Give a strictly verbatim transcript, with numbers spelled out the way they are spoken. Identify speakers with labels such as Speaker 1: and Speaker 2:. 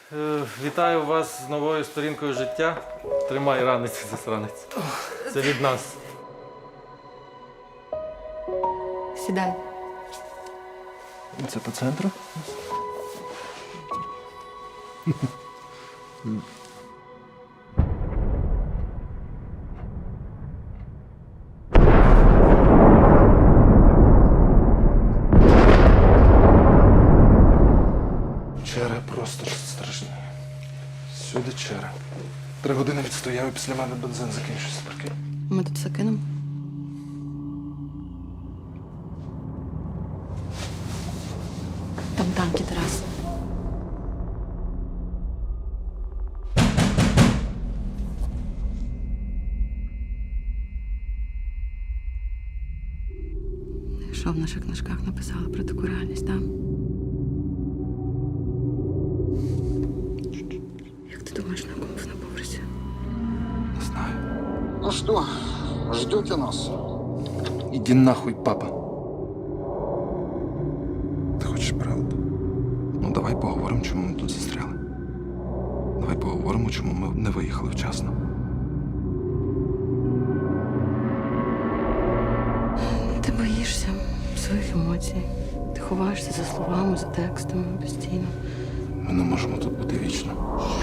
Speaker 1: Е, Вітаю вас з новою сторінкою життя. Тримай ранець, засранець. Це від нас.
Speaker 2: Сідай.
Speaker 3: Це по центру? Черга просто страшні. Сюди черга. Три години відстояв і після мене бензин закінчився. Прикинь.
Speaker 2: Ми тут все кинемо. Там танки, Тарас. Що в наших книжках написали про таку реальність, так? Як ти думаєш, на кому на поверсі?
Speaker 3: Не знаю.
Speaker 4: Ну что, ждете нас?
Speaker 3: Іди нахуй, папа. Ти хочеш правду? Ну давай поговоримо, чому ми тут застряли. Давай поговоримо, чому ми не виїхали вчасно.
Speaker 2: Ти боїшся своїх емоцій. Ти ховаєшся за словами, за текстами постійно.
Speaker 3: Ми не можемо тут бути вічно.